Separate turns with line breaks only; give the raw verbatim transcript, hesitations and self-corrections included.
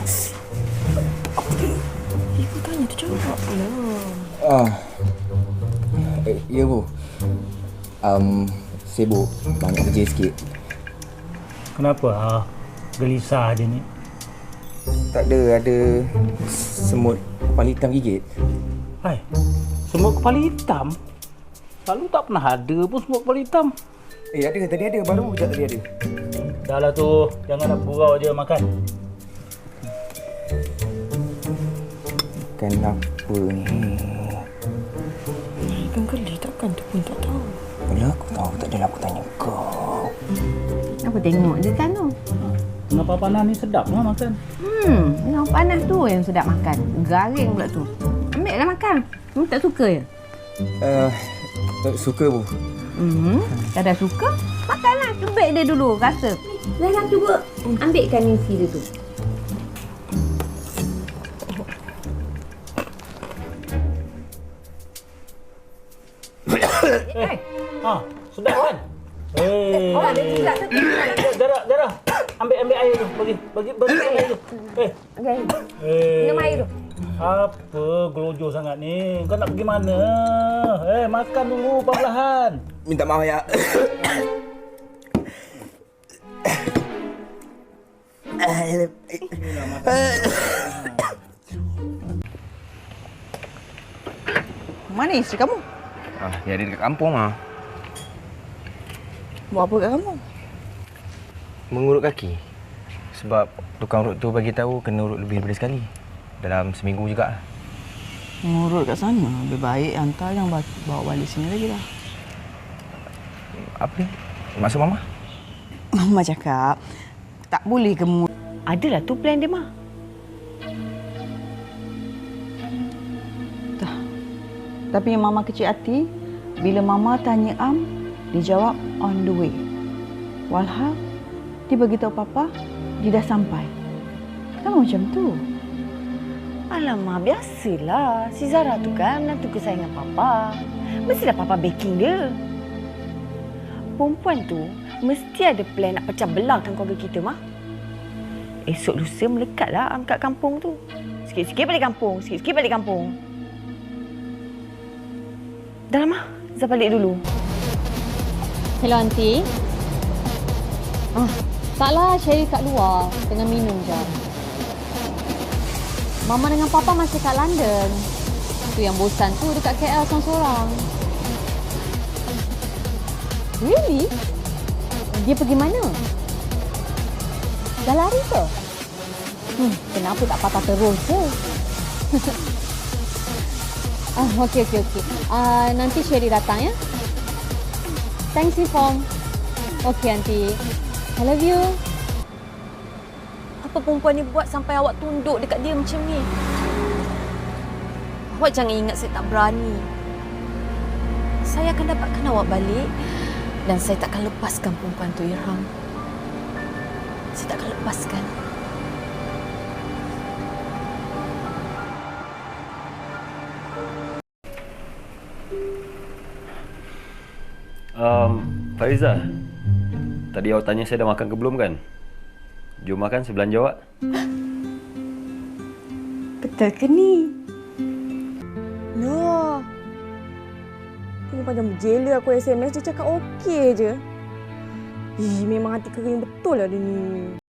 Ibu tanya tu jawab pula.
Ah, eh, ya Bu. Um, sibuk, banyak kerja sikit.
Kenapa? Ah, gelisah je ni.
Tak ada, ada semut kepala hitam gigit.
Hai, semut kepala hitam? Lalu tak pernah ada pun semut kepala hitam.
Eh, ada, tadi ada, baru je tadi ada.
Dah lah tu, jangan nak gurau je makan.
Kenapa ni?
Ikan geli takkan tu pun tak tahu.
Bila aku tahu, tak adalah aku tanya kau.
Apa tengok je kan tu?
Kenapa panas ni sedap lah makan.
Hmm, yang panas tu yang sedap makan. Garing pula tu. Ambil lah makan. Kamu tak suka ya?
Uh, suka Bu.
Hmm, tak ada suka? Makanlah, cubit dia dulu, rasa. Dah cuba ambilkan isi dia tu.
Eh, ha, sedap kan? Eh, Zara, Zara, ambil ambil air tu, bagi, bagi, bagi air tu. Eh,
Okey.
eh.
Minum air tu.
Apa gelojoh sangat ni? Kau nak pergi mana? Eh, makan dulu perlahan.
Minta maaf ya.
Mana isteri kamu?
Ah, dia ada dekat kampung ah.
Buat apa kat kamu?
Mengurut kaki. Sebab tukang urut tu bagi tahu kena urut lebih daripada sekali. Dalam seminggu juga.
Mengurut kat sana. Lebih baik hantar yang bawa balik sini lagi lah.
Apa ni? Maksud Mama?
Mama cakap, tak boleh kamu.
Adalah tu plan dia, Mah.
Dah. Tapi yang Mama kecil hati, bila Mama tanya Am, dia jawab on the way. Walhal, dia beritahu Papa, dia dah sampai. Kenapa macam tu?
Alamak, biasalah. Si Zara tu kan menantu kesayangan Papa. Mestilah Papa backing dia. Perempuan tu mesti ada plan nak pecah belahkan keluarga kita, Mah. Esok lusa melekatlah Am kat kampung tu. Sikit-sikit balik kampung, sikit-sikit balik kampung. Dah lah, Mah. Zah balik dulu.
Hello, Aunty. Ah, taklah, Sherry kat luar. Tengah minum je. Mama dengan Papa masih kat London. Tu yang bosan tu dekat K L seorang-seorang. Really? Dia pergi mana? Dah lari ke? Hmm, kenapa tak patah terus je? ah, okey, okey, okey. Ah, nanti Sherry datang, ya? Thanks, Inform. Okey, Aunty. I love you.
Apa perempuan ni buat sampai awak tunduk dekat dia macam ni? Awak jangan ingat saya tak berani. Saya akan dapatkan awak balik dan saya takkan lepaskan perempuan tu, Irham. Saya takkan lepaskan.
Um, Fariza, tadi awak tanya saya dah makan ke belum kan? Jom makan, saya belanja awak.
Betul ke ni? No. Ini macam jela aku S M S, dia cakap okey je. Ih, memang hati kering betul lah dia ni.